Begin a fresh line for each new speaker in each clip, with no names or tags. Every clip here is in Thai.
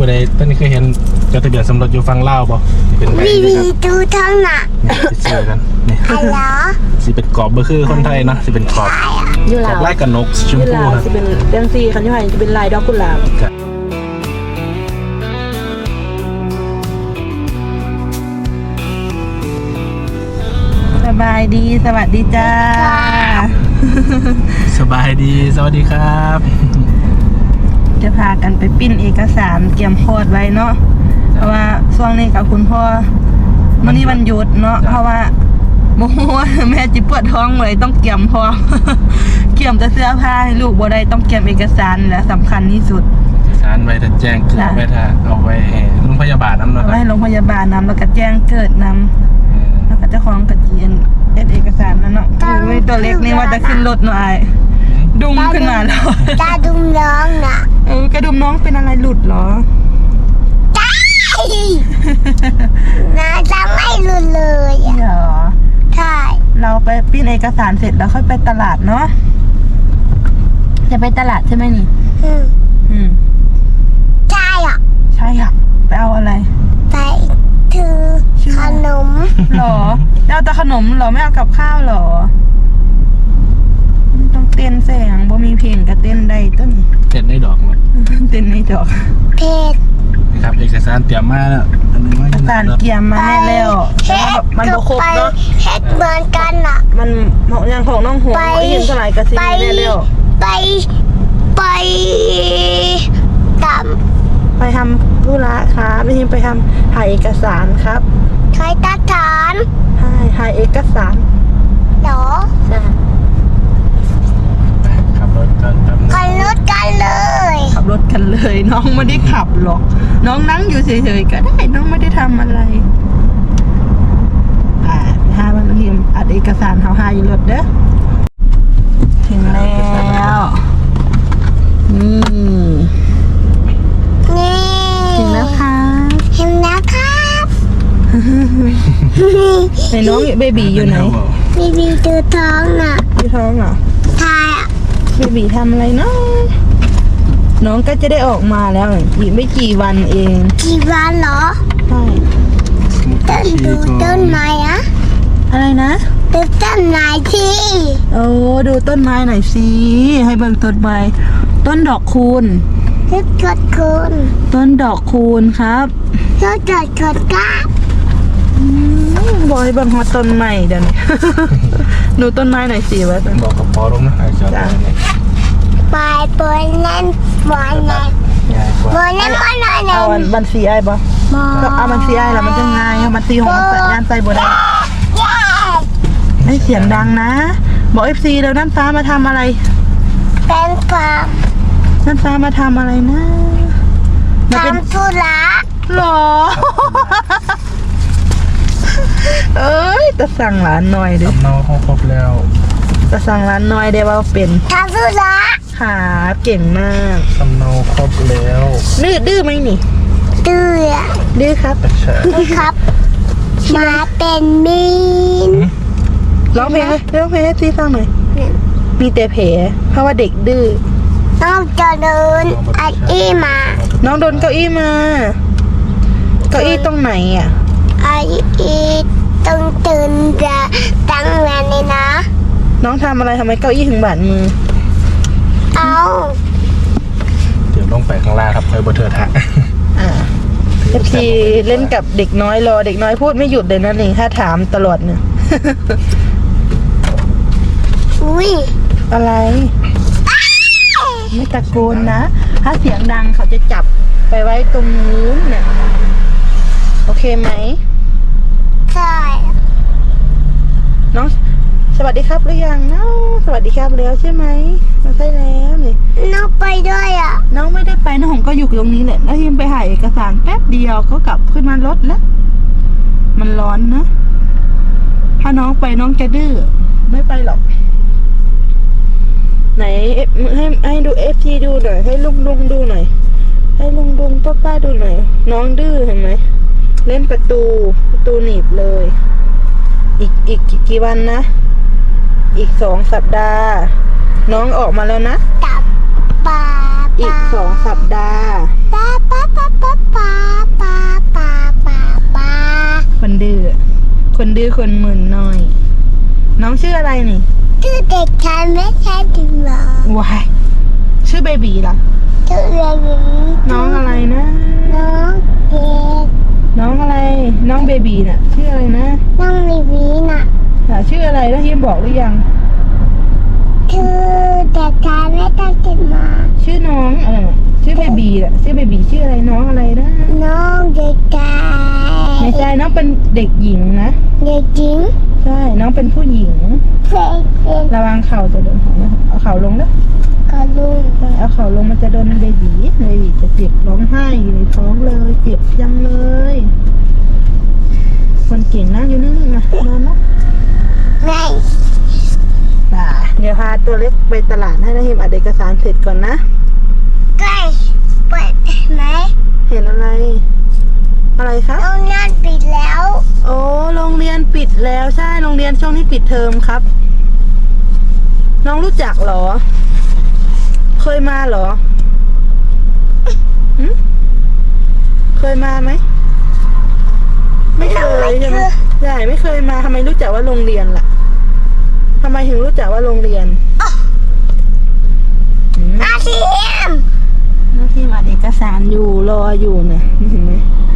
ผู้ใดตอนนี้เคยเห็นจดทะเบียนสมรสอยู่ฝั่งลาวบ่เป็นใบ
วี
นะ
วี
ครับ
ดูทั้งน่ะ
ติดเสื้อกันนี่
อะไร
สิเป็นกรอบเบอร์คือคนไทยเนาะสิเป็นกรอบ
อยู่
กร
ลา
อบ
ว
ลายกับนกชม
อยู่
พู
ลาว
ครับ
จะเป็นเรื่องซีคันที่ไทยจะเป็นลายดอกกุหลาบสบายดีสวัสดีจ้า
สบายดีสวัสดีครับ
จะพากันไปปิ้นเอกสารเตรียมโคตรไว้เนาะเพราะว่าช่วงนี้กับคุณพ่อวันนี้วันหยุดเนาะเพราะว่าโมโหแม่จิปวดท้องเลยต้องเตรียมพร้อม เตรียมจะเสื้อผ้าให้ลูกบ่ได้ต้องเตรียมเอกสารและสำคัญที่สุด
สารไว้ถ้าแจ้งเกิดไว้ถ้าเอาไว้ให้โรงพยาบาลน้ำเนาะ
เอาไว้ให้โรงพยาบาลนำแล้วก็แจ้งเกิดนำแล้วก็เจ้าของกับจีนเอกสารนั่นเนาะคือไม่ตัวเล็กนี่ว่าจะขึ้นรถหน่อยดุมขึ้นมาแล้ว
ตาดุมร้องน่ะ
กระดุมน้องเป็นอะไรหลุดเหรอ
น่าจะไม่รู้เลยอ่ะ
เหรอ
ใช่
เราไปปิ้นเอกสารเสร็จแล้วค่อยไปตลาดเนาะจะไปตลาดใช่ไหมนี่ อืม
ใช่อ่ะ
ใช่ค่ะไปเอาอะไร
ไปถือขนม
หรอเอาแต่ขนมเหรอไม่เอากับข้าวเหรอต้องเต้นแสงบ่มีเพลงก็เต้นได้ต้น
เสร็จได้ดอกมั้ย
เต้นในดอก
เพจ
นะครับเอกสารเตรียมมาแล้วอันนึงว่า
อาจารย์เกียมมาแน่แล้วแต่ว่าแบบมันบ่ครบเนาะ
เฮ็ดเหมือนกันอ่ะ
มันอย่างของน้องหัว
ไป
ไม่ยินเท่าไหร่กระซิบ
ไป
แน่แล้ว
ไปตาม
ไปทำธุระครับไม่ใช่ไปทำถ่ายเอกสารครับ
ใช้ตาฐาน
ถ่ายเอกสาร
เหรอ
ใช่
ขับรถกันแป๊บนึง
ขันรถกันเลย
ขับรถกันเลยน้องไม่ได้ขับหรอกน้องนั่งอยู่เฉยๆก็ได้น้องไม่ได้ทำอะไรหาวันทีมอัดเอกสารเฮาหาอยู่รถเด้อถึงแล้วนี่
นี่
ถึงแล้วค่ะ
เห็นนะครับ
ไหนน้องเบบีอยู่ไหน
บีบีดูท้องน่ะ
อยู่ท้องเหรอ
ทายอ่ะ
เบบีทำอะไรเนาะน้องก็จะได้ออกมาแล้วอีกไม่กี่วันเอง
กี่วันเหรอ
ใช่
ต้นดูต้นไม้อะ
อะไรนะ
ดูต้นไม้ที่
โอ้ดูต้นไม้หน่อยสิให้เบิ่งต้นไม้ต้นดอกคูณ
ดูกดคุณ
ต้นดอกคูณครับ
ดูกดกดก้า
บอกให้เบิ่งฮอตต้นใหม่เดี๋ยวนี้ ดูต้นไม้หน่อยสิว่า
บอกกับพอลงนะไอ้จอด
จ้ะ
ไปบนนั้นบนนั้น
ง่ายกว่า
บนนั้นบนนั้น
เอาอันบัญชีไอ้บ่
มอ
ก็เอาบัญชีไอ้แล้วมันจะง่ายเอาบัญชีของมันสัญญาณใจบ่ได้ไอ้เสียงดังนะ บอก FC แล้วนั่นฟ้ามาทำอะไร
เป็นความ
นั่นฟ้ามาทำอะไรนะมาเป็น
ทำธุระ
หรอ เอ้ยจะสั่งร้านหน่อยดิ
สำเนาเขาครบแล้ว
จะสั่งร้านหน่อยได้ว่าเป็น
ทำธุระ
ขาเก่งมาก
สำเนาครบแล้ว
ดื้อไหมนี่
เตือ
ดื้อครับ
ใช่
ครับ มาเป็นมีน
ร้องเพลงให้ซีฟังหน่อย มีแต่แผลเพราะว่าเด็กดื้อ
น้องจะเดินไอ้อี้มา
น้องโดนเก้าอี้มา เก้าอี้ตรงไหนอ่ะ
ไอ้อี้ต้องตื่นจะตั้งงานเลยนะ
น้องทำอะไรทำไมเก้าอี้ถึงบาดมือ
เอา
เดี๋ยวลงไปข้างล่างครับคอยบนเถื่อทะ
FC เล่นกับเด็กน้อยรอเด็กน้อยพูดไม่หยุดเลยนะนี่ถ้าถามตลอดเนี่ย
อุ้ย
อะไร ไม่ตะโกนนะ ถ้าเสียงดังเขาจะจับไปไว้ตรงนู้นเนี่ย โอเคไหม
ใช่
น้องสวัสดีครับหรือยังน้องสวัสดีครับแล้วใช่ไหมมาใช่แล้วนี่
น้องไปด้วยอ่ะ
น้องไม่ได้ไปน้องหงก็อยู่ตรงนี้แหละแล้วทีมไปถ่ายเอกสารแป๊บเดียวก็กลับขึ้นมารถแล้ว มันร้อนนะ ถ้าน้องไปน้องจะดื้อไม่ไปหรอก ไหนให้ดูFTดูหน่อยให้ลุงดูหน่อยให้ลุงป้าดูหน่อยน้องดื้อเห็นไหมเล่นประตูหนีบเลย อีกกี่วันนะอีก2 สัปดาห์ น้องออกมาแล้วนะ
ตับปลา
อีก2 สัปดาห์
ปลา
คนดื้อคนหมื่นหน่อย น้องชื่ออะไรนี่
ชื่อเด็กชายไม่ใช่ถึงหรอ
ว้ายชื่อเบบีล่ะ
ชื่อเรียนหญิง
น้องอะไรนะ
น้องเด็ก
น้องอะไรน้องเบบีน่ะชื่ออะไรนะ
น้องลีวีน่ะ
ชื่ออะไรแล้วฮิมบอกหรือยัง
ชื่อเด็กชายไม่ได้ถึงหรอ
ชื่อน้องอะไรน่ะชื่อเบบีน่ะชื่อเบบีชื่ออะไรน้องอะไรนะ
น้องเด็กชาย
ไม่ใช่น้องเป็นเด็กหญิงนะ
เด็กหญิง
ใช่น้องเป็นผู้หญิง
เพลงเด็ก
ระวังเข่าจะโดนของนะเอาเข่าลงนะ
กระลุง
ใช่เอาเข่าลงมันจะโดนเบบีจะเจ็บร้องไห้อยู่ในท้องเลยเจ็บจังเลยคนเก่งนะอยู่นิ่งๆนะนอนเนาะ
ไม่
เดี๋ยวพาตัวเล็กไปตลาดให้นะฮิมอัดเอกสารเสร็จก่อนนะ
ใกล้เปิดไหม
เห็นอะไร อะไรครับ
โรงงานปิดแล้ว
โอ้โรงเรียนปิดแล้วใช่โรงเรียนช่วงนี้ปิดเทอมครับ น้องรู้จักเหรอ เคยมาเหรอหึเคยมาไหมไม่เคยใช่ไหมใช่ไม่เคยมาทำไมรู้จักว่าโรงเรียนล่ะทำไมถึงรู้จักว่าโรงเรียน
อาเทียม
หน้าที่มาเอกสารอยู่รออยู่เนี่ยเห็นไหม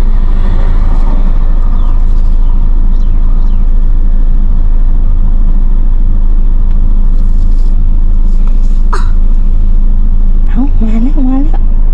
เอามาแล้วมาแล้ว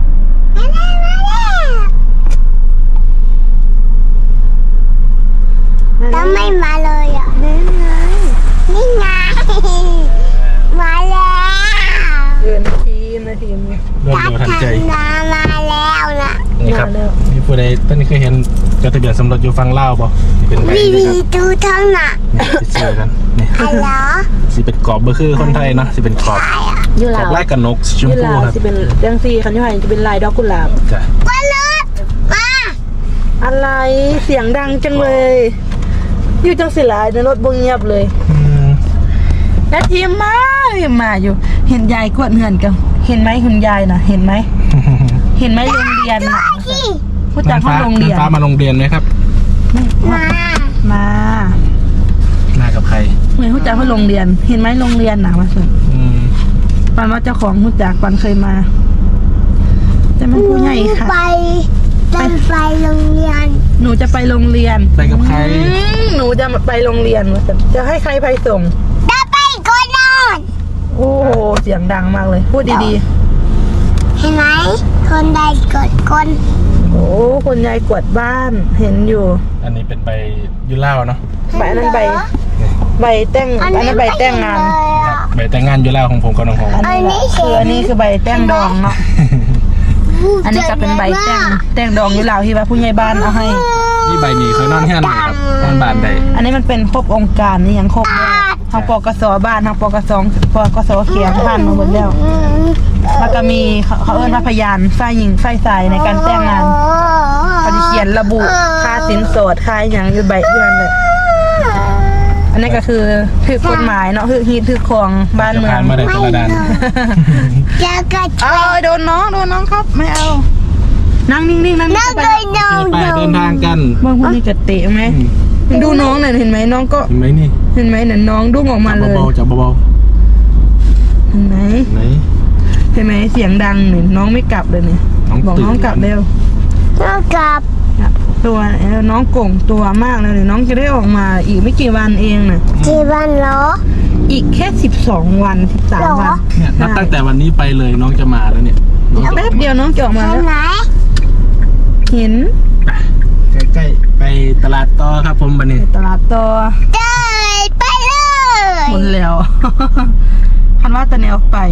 แล้วไม่มาเลยอ่ะ
เล่นไง
นี่ไงมาแล้ว
เกินทีนาทีนี้
รวดเร็วทันใจ
มาแล้วนะ
นี่ครับ
มาแล้ว
มีผู้ใดต้นนี้เคยเห็นจดทะเบียนสมรสอยู่ฝั่งลาวบ่นี่เป็นใบ
วี
นี่
วี
ครับ
ดูทั้งน่ะ
นี่ติดเสื้อกันนี่
อะไรเหรอ
สิเป็นกรอบเบอร์คือคนไทยเนาะสิเป็นกรอบ
ยู
กร
ลา
อบ
ว
ลายกับนกสีชม
ยู
พู
ลาว
ครับ
จะเป็นเรื่องซีคันยูไฮจะเป็นลายดอกกุหลาบ
จ้ะ
วันรถมา
อะไรเสียงดังจังเลย อยู่จังสิหลายในรถบงเงียบเลย
อืม
แล้วทีมมาอยู่ เห็นยายกวดเงินกันเห็นไหมคุณยายน่ะ เห็นไหมเห็นไหมโรงเรียนน่ะ
ที่
พูดจากห้องโรงเรียน
ฟ้ามาโรงเรียนไหมครับ
มา
มา
มากับใคร
เหมือนพูดจากห้องโรงเรียน เห็นไหมโรงเรียนน่ะมาสุด
อืม
ปันว่าเจ้าของพูดจากปันเคยมา แต่มันผู้ใหญ่ค่ะ
ไปไปโรงเรียน
หนูจะไปโรงเรียน
ไปกับใคร
หนูจะไปโรงเรียนว่าจะให้ใครไปส่ง
จะไปก่อนนอน
โอ้โหเสียงดังมากเลย พูดดี
เห็นไหมคนใดกดคน
ๆ โอ้คนยายกวาดบ้านเห็นอยู่
อันนี้เป็นใบยูเล่าเนาะ
ใบอันนั้นใบแต่งอันนั้นใบแต่งงาน
ใบแต่งงานยูเล่าของผมกับน้องหง
อันนี้คือใบแต่งดองเนาะ อันนี้ก็เป็นใบแต่งดองอยู่แล้วที่ว่าผู้ใหญ่บ้านเอาให้
นี่ใบนี้เคยนอนแค่ไหนครับนอนบ้านใด
อันนี้มันเป็นครบองค์การนี่ยังครบเลยทางปกสบ้านทางปกสเขียนผ่านมาหมดแล้ว แล้วก็มีเขาเอิ้นว่าพยานฝ่ายหญิงฝ่ายชายในการแต่งงานเขาจะเขียนระบุค่าสินสอดค่าอย่างอยู่ใบเดือนเลยอันนี้ก็คือถือกฎหมายเนาะคือฮีทถือของบ้านเมือง
จะผ่านมาได้คนละด้าน
จะกระ
เอาโดนน้องครับไม่เอานั่งนิ่งๆนั่ง
นั่ง
ไป
เลยนอน
ไปเดินทางกัน
บางคนนี่จะเตะไหมดูน้องหน่อยเห็นไหมน้องก็
เห็นไหมนี่
เห็นไหมเนี่ยน้องดุ้งออกมาเลย
เบาๆจับเบา
เห็นไหม
ๆไหน
เห็นไหมเสียงดังเนี่ยน้องไม่กลับเลยเนี่ย
น้อง
บอก
ตื่น
น้องกลับเร็ว
นั่งกับ
ตัวน้องโก่งตัวมากเลยเนี่ยน้องจะได้ออกมาอีกไม่กี่วันเองน่ะ
จีบันเหรอ
อีกแค่12 วัน13 วัน
เนี่ยนับตั้งแต่วันนี้ไปเลยน้องจะมาแล้วเนี่ยน้องจะ
แป๊บเดียวน้องจะออกมา
เห็
แล้
น
ว
ไหม
เห็น
ใกล้ๆไปตลาดต่อครับผมบันนี้
ตลาดต่อ
เดินไปเลย
หมดแล้ว คันว่าตะแนวไป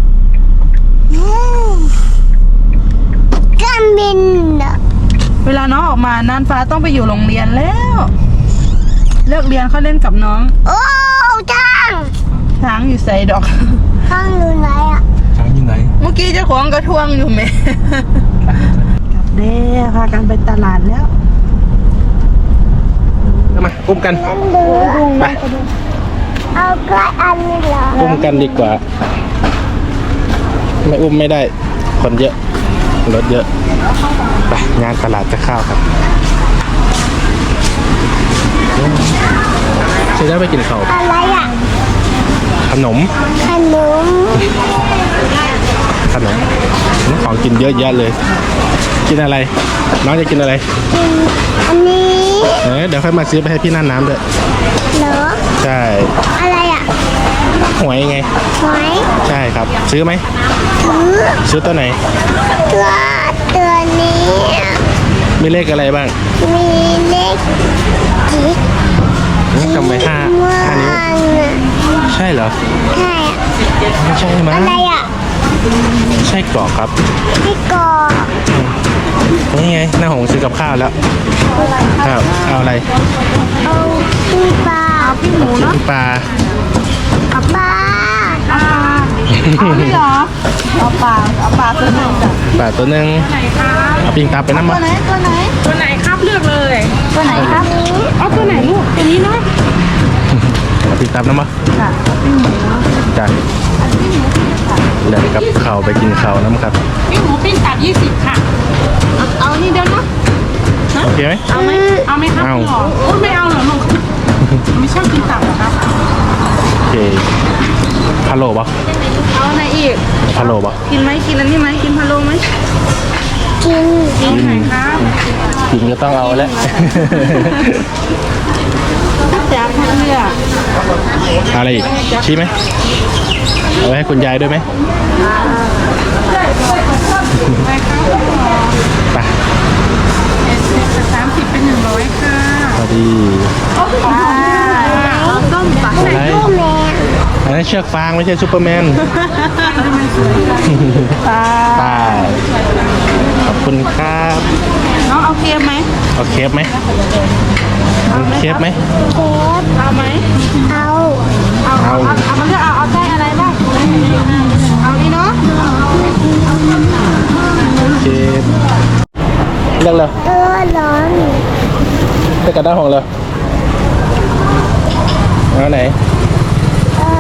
การบินน่ะ
เวลาน้องออกมาน่านฟ้าต้องไปอยู่โรงเรียนแล้วเลิกเรียนเขาเล่นกับน้อง
โอ้จัง
ช้างอยู่ใส่ดอก
ข้างอยู่ไหนอ่ะ
ช้างอยู่ไหน
เมื่อกี้เจ้าของกระทวงอยู่ไหม กลับเด้พากันไปตลาดแล้ว
มาอุ้มกัน
นั่นดู
ไป
เอาก็อันนี้เหรอ
อุ้มกันดีกว่า ไม่อุ้มไม่ได้ คนเยอะรถเยอะไปงานตลาดจะเข้าครับเสร็จแล้วไปกินข้าว
อะไรอ่ะ
ขนม
ขนม
ของกินเยอะแยะเลย กินอะไร น้องจะกินอะไร
กินอันนี้
เดี๋ยวค่อยมาซื้อไปให้พี่น่านน้ำด้วย
เหรอ
ใช่
อะไรอ่ะ
หวยไง
หอย
ใช่ครับ ซื้อไหม ซื้อตัวไหน
ตัวนี้
มีเลขอะไรบ้าง
มีเลขจิ๊ก
ทำไมห้า
ม่วง
นิ้ว
อ่ะ
ใช่เหรอ
ใช่อ่ะ
ไม่ใช่มั้ง
อะไรอ่ะ
ใช่กรอกครับ
พี่กอ
นี่ไงหน้าหงซื้อกับข้าวแล้วครับเอาอะไร
เอาพี่ปลา
พี่หมูเนาะ
ปลา
ปลา
เอาไม่เหรอเอาปลาตัวหนึ่งจ้ะ
ปลาตัวหนึ่งเอาปิงตาไปน้ำ
ตั
มาว
ไหนครับเลือกเลยตัวไหนครับเอาตัวไหนลูกตัวนี้เนาะ
เอาปิงตาน้ำมา
ค่ะพี่หมู
จ้ะเดี๋ยวกับข้าวไปกินข้าวน้ำครับ
พี่หมูปิ้งตับ20 ค่ะ เอานี่เดี๋ยวนะ
โอเคไหม
เอาไหมครับ
เอา
พี่หรอโอ้ไม่เอาเหรอลูกไม่ชอบกินตับเหรอครับ
โอเคพะโล้ปะ
เอาไหนอีก
พะโล้ปะ
กินไหมกินอันนี้ไหมกินพะโล้ไหม
กิน
กินไหนครับ
กินก็ต้องเอาแล้ว
แจ๊บเลือก
อะไรอีกชี้ไหมเอาไว้ให้คุณยายด้วยไหมไป
30เป็น100ค่ะ
พอดี
เอาต้มปลา
อะไร
ลูกแมว
อันนั้นเชือกฟางไม่ใช่ซูเปอร์แมน
ปลา
ไปขอบคุณครับ
น้องเอาเค็มไหม
เอาเคฟไหมเอาเคฟไหม
เก็บ
เอาไหม
เอา
เอามาเลือกเอาไส้อะไรบ้างเอานี่เนาะ
เคฟเลือกเลย
ร้อน
เลือกกระด้างของเลยเอาไหน
เออ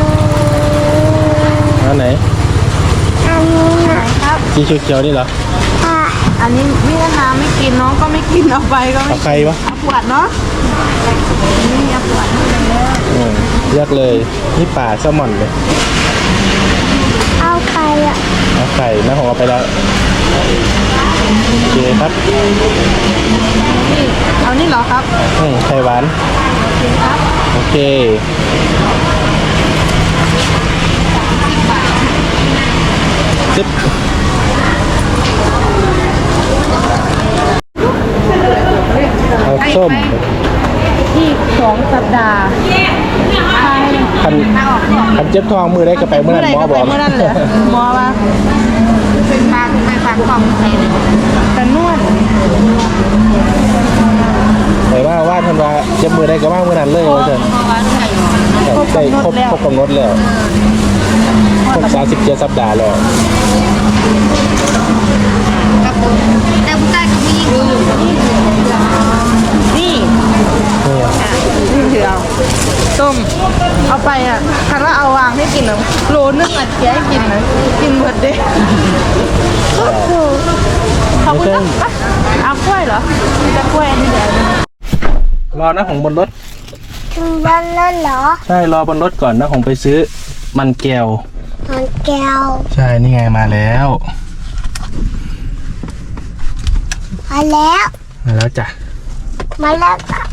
เอาไหน
อันนี้นะครับ
สีเขียวๆนี่เหรอ
อ่ะ
อันนี้พี่น้ำไม่กินน้องก็ไม่กินเอาไปก็ไม่
เอาใครวะ
เอาปวดเนาะนี่เอาปวด
เลือกเลยนี่ป่าแซลมอนเลย
เอาใครอ่ะ
เอาไข่หน้าของเอาไปแล้วโอเคครับ
นี่เอานี่เหรอครับ
ไข่หวานโอเคจิ๊บเอาส้ม
อีก2 สัปดาห์
คันเจ็บท้องมือได้ก็ไปเมื่อนั้นหมอบอก
เมื่อนั้นเลยหมอว่าเป็นปากไปปากกล่องแต่นวด
แต่ว่าทันว่าเจ็บมือได้ก็ว่าเมื่อนั้นเลยว่าจะได้ครบกำหนดแล้วครบ37 สัปดาห์แล้ว
แต่ผู้ชายเขาไม่ยิงนี่นี่ถือเอาต้มเอาไปอ่ะคันว่าเอาวางให้กินหรอโลนึงอ่ะแกให้กินนะกินหมดเด้ขอบคุณนะเอากล้วยเหรอมีแต่กล้วยอันนี้เดี๋ยว
รอนะของบนรถ
ถึงบ้านแล้วเหรอ
ใช่รอบนรถก่อนนะของไปซื้อมันแก้ว
มันแก้ว
ใช่นี่ไงมาแล้ว
มาแล้ว
มาแล้วจ้ะ
มาแล้วจ้ะ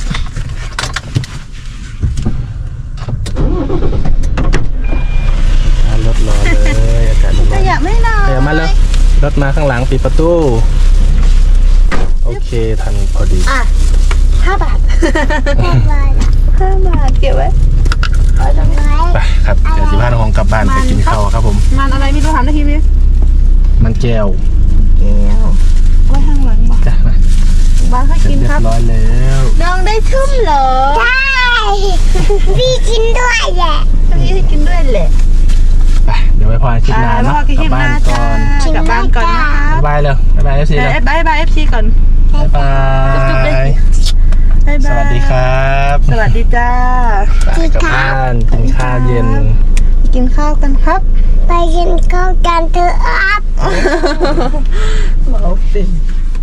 รถรอเลยอากาศร้อน
ขยะไม่นอน
เดี๋ยวมาเลยรถมาข้างหลังปิดประตูโอเคทันพอดี
อ่ะ5 บาท5 บาท
5 บาทเก็บไว้
เอาตรงไหน
ไปครับเดี๋ยวสิพาน้องของกลับบ้านไปกินข้าวครับผม
มันอะไรไม่รู้ถามได้ทีพี่
มันแก้ว
แก้วไว้ข้างหลังบ่
จ้ะมา
บ้านให้
เสร็จ
กิน
เรีย
ครับ
บร้อยแล้ว
น้องได้ชุ่มเหรอ
ใช่พี่กินด้วยแหละ
พี่ให้กินด้วยแหละ
ไปเดี๋ยวไว้พอคลิปหน้าเนาะกลับบ้านก่อน
กลับบ้านก่อนนะคะ
บ๊ายบายเลยบ๊ายบายเอฟซีเลย
บายบาย FC ก่อน
บ๊ายบาย
บ๊ายบาย
สวัสดีครับ
สวัสดีจ้า
ไปกลับบ้านกินข้าวเย็น
กินข้าวกันครับ
ไปกินข้าวกันเถอะครับ
หมอเป็น